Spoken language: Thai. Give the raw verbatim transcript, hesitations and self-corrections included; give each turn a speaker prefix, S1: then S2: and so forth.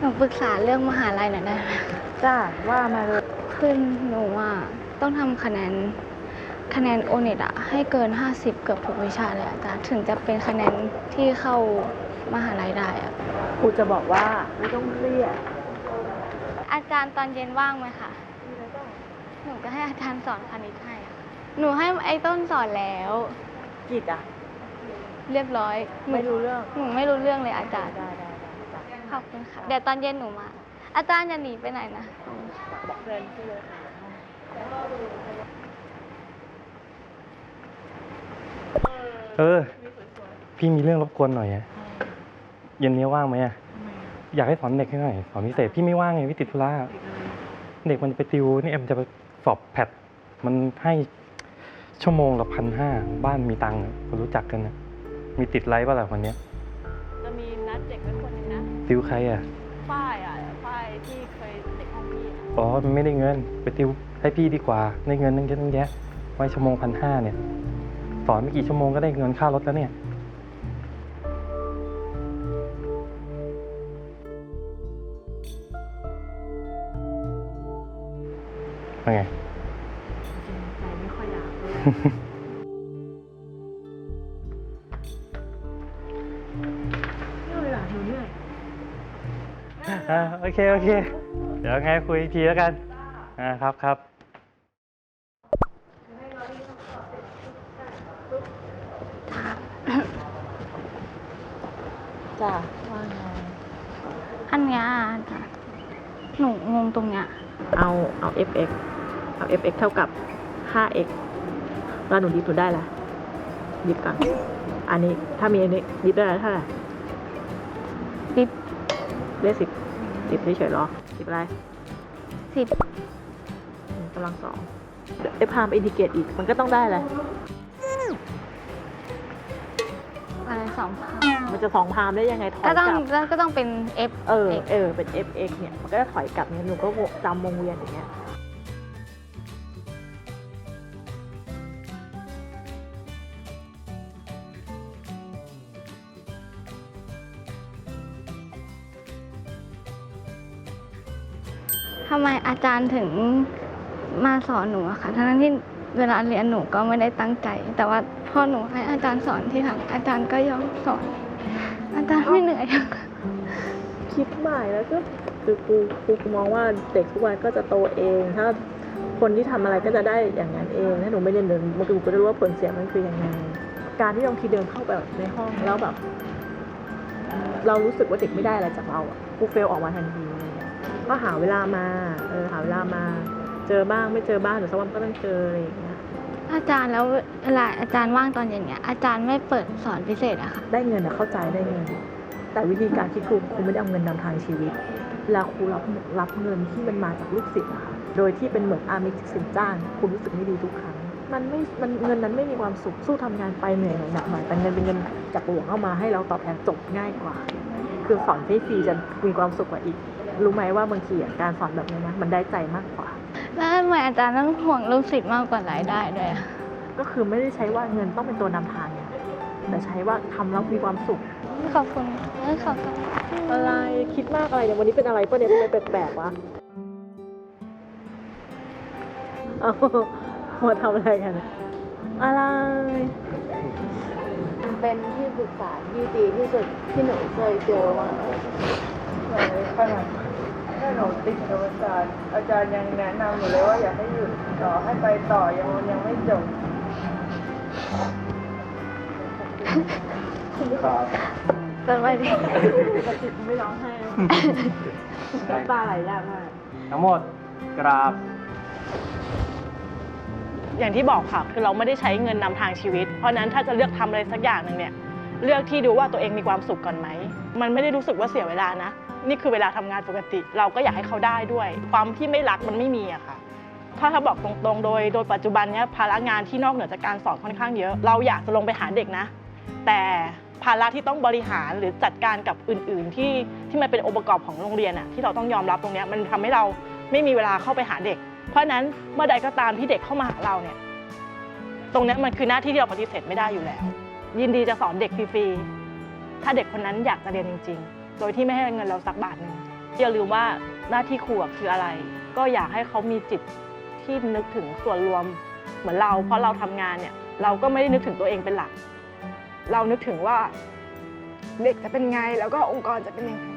S1: หนูปรึกษาเรื่องมหาลัยหน่อยได้ไหม
S2: จ้าว่ามาเลย
S1: คือหนูอ่ะต้องทำคะแนนคะแนนโอเน็ตอะให้เกินห้าสิบเกือบทุกวิชาเลยอาจารย์ถึงจะเป็นคะแนนที่เข้ามหาลัยได้อะ
S2: ครูจะบอกว่าไม่ต้องเครียด
S1: อาจารย์ตอนเย็นว่างไหมคะหนูจะให้อาจารย์สอนคณิตให้อะหนูให้ไอ้ต้นสอนแล้ว
S2: กิจอะ
S1: เรียบร้อย
S2: ไม่รู้เรื่อง
S1: หนูไม่รู้เรื่องเลยอาจารย์
S2: ได้ได้
S1: ขอบคุณค่ะเดี๋ยวตอนเย็นหนูมาอาจารย์อย่าหนีไปไหนนะ
S2: บอกเพื่อนที่เลย
S3: เออพี่มีเรื่องรบกวนหน่อยอะเย็นนี้ว่างไหมอะอยากให้สอนเด็กให้หน่อยสอนพิเศษพี่ไม่ว่างไงพี่ติดธุระเด็กมันไปติวนี่เอ็มจะไปสอบแพทมันให้ชั่วโมงละพันห้าบ้านมีตังค์คนรู้จักกันนะมีติดไลฟ์ป่ะล่ะวันนี้
S2: จะมีนัดเด็กไว้คนนึงนะ
S3: ติวใครอะ
S2: ฝ้ายอะฝ้ายที่เคยเด็กห้องพี่
S3: อ๋อมันไม่ได้เงินไปติวให้พี่ดีกว่าได้เงินตั้งเยอะตั้งแยะไว้ชั่วโมงพันห้าเนี่ยสอนไม่กี่ชั่วโมงก็ได้เงินค่ารถแล้วเนี่ยเป็นไง
S2: ใจไม่ค่อยอยากเลยนี่เลยอ่ะหนูเหนื่อย
S3: อ่าโอเคโอเคเดี๋ยวไงคุยอีกทีแล้วกันอ่าครับครับ
S2: จ้าว่าไง
S1: อันเนี้ยอาจารย์หนูงงตรงเนี้ย
S2: เอาเอา fx เอา fx เท่ากับ ห้า x แล้วหนูดิฟหนูได้ละดิฟกันอันนี้ถ้ามีอันนี้ดิฟได้เท่าไหร่
S1: ดิฟ
S2: ได้สิบดิฟเฉยๆหรอดิฟอะไร
S1: สิบ
S2: กำลังสองไอ้พามอินทิเกรตอีกมันก็ต้องได้อะไร
S1: อะไรสองพาม
S2: มันจะสองพามได้ยังไงถอยกลับ
S1: ก็ต้องก็ต้องเป็น f
S2: เออเออเป็น fx เนี่ยมันก็จะถอยกลับเนี่ยหนูก็จำวงเวียนอย่างเงี้ย
S1: ทำไมอาจารย์ถึงมาสอนหนูอะคะทั้งที่เวลาเรียนหนูก็ไม่ได้ตั้งใจแต่ว่าพอหนูให้อาจารย์สอนที่หลังอาจารย์ก็ยอมสอนอาจารย์ไม่เหนื่อย
S2: คิดใหม่แล้วก็คือครูครูมองว่าเด็กทุกวันก็จะโตเองถ้าคนที่ทำอะไรก็จะได้อย่างนั้นเองถ้าหนูไม่เรียนเดินมันก็จะรู้ว่าผลเสียมันคือยังไงการที่บางทีเดินเข้าไปในห้องแล้วแบบเรารู้สึกว่าเด็กไม่ได้อะไรจากเราอ่ะครูเฟลออกมาทันทีก็หาเวลามาเออหาเวลามาเจอบ้างไม่เจอบ้างหรือสักวันก็ต้องเจออะไรอย่างเงี้ย
S1: อาจารย์แล้วเวลาอาจารย์ว่างตอนเย็นเนี้ยอาจารย์ไม่เปิดสอนพิเศษอะค่ะ
S2: ได้เงินอะเข้าใจได้เงินแต่วิธีการคิดครูครูไม่ได้เอาเงินนำทางชีวิตแล้วครูรับรับเงินที่มันมาจากลูกศิษย์อะค่ะโดยที่เป็นเหมือนอามิสสินจ้างครูรู้สึกไม่ดีทุกครั้งมันไม่มันเงินนั้นไม่มีความสุขสู้ทำงานไปเหนื่อยหน่อยหนักหน่อยแต่เงินเป็นเงินจากหลวงเข้ามาให้เราตอบแทนจบง่ายกว่าคือสอนฟรีๆจะมีความสุขกว่าอีกรู้ไหมว่าบางทีการสอนแบบนี้นะมันได้ใจมากกว่า
S1: แล้วทำไมอาจารย์ต้องห่วงลูกศิษย์มากกว่ารายได้ด้วยอะ
S2: ก็คือไม่ได้ใช้ว่าเงินต้องเป็นตัวนำทางไงแต่ใช้ว่าทำแล้วมีความสุข
S1: ขอบคุณขอบคุณ
S2: อะไรคิดมากอะไรเนี่ยวันนี้เป็นอะไรป่ะเนี่ยทำไมแปลกๆวะเอามาทำอะไรกันอะไร
S4: เป็นที่ปรึกษาที่ดีที่สุดที่หนูเคยเจอมา
S5: เลยขนาดถ้าหนูติดโดยอาจารย์อาจารย์ยังแนะนำอยู่เลยว่าอยากให้หยุดต่อให้ไปต่อยังยังไม่จบ
S3: ครับ
S1: สบายดี
S2: ปกติไม่ร้องไห้น้ำตาไหลยากมาก
S3: ทั้งหมดกราบ
S6: อย่างที่บอกค่ะคือเราไม่ได้ใช้เงินนำทางชีวิตเพราะนั้นถ้าจะเลือกทำอะไรสักอย่างหนึ่งเนี่ยเลือกที่ดูว่าตัวเองมีความสุขก่อนไหมมันไม่ได้รู้สึกว่าเสียเวลานะนี่คือเวลาทำงานปกติเราก็อยากให้เขาได้ด้วยความที่ไม่รักมันไม่มีอะค่ะถ้าถ้าบอกตรงๆโดยโดยปัจจุบันเนี้ยภาระงานที่นอกเหนือจากการสอนค่อนข้างเยอะเราอยากจะลงไปหาเด็กนะแต่ภาระที่ต้องบริหารหรือจัดการกับอื่นๆที่ที่มันเป็นองค์ประกอบของโรงเรียนอะที่เราต้องยอมรับตรงนี้มันทำให้เราไม่มีเวลาเข้าไปหาเด็กเพราะนั้นเมื่อใดก็ตามที่เด็กเข้ามาหาเราเนี่ยตรงนี้มันคือหน้าที่ที่เราปฏิเสธไม่ได้อยู่แล้วยินดีจะสอนเด็กฟรีๆถ้าเด็กคนนั้นอยากจะเรียนจริงๆโดยที่ไม่ให้เงินเราสักบาทนึงอย่าลืมว่าหน้าที่ครูอะคืออะไร ก็อยากให้เขามีจิตที่นึกถึงส่วนรวมเหมือนเราเพราะเราทำงานเนี่ยเราก็ไม่ได้นึกถึงตัวเองเป็นหลัก เรานึกถึงว่าเด็กจะเป็นไงแล้วก็องค์กรจะเป็นยังไง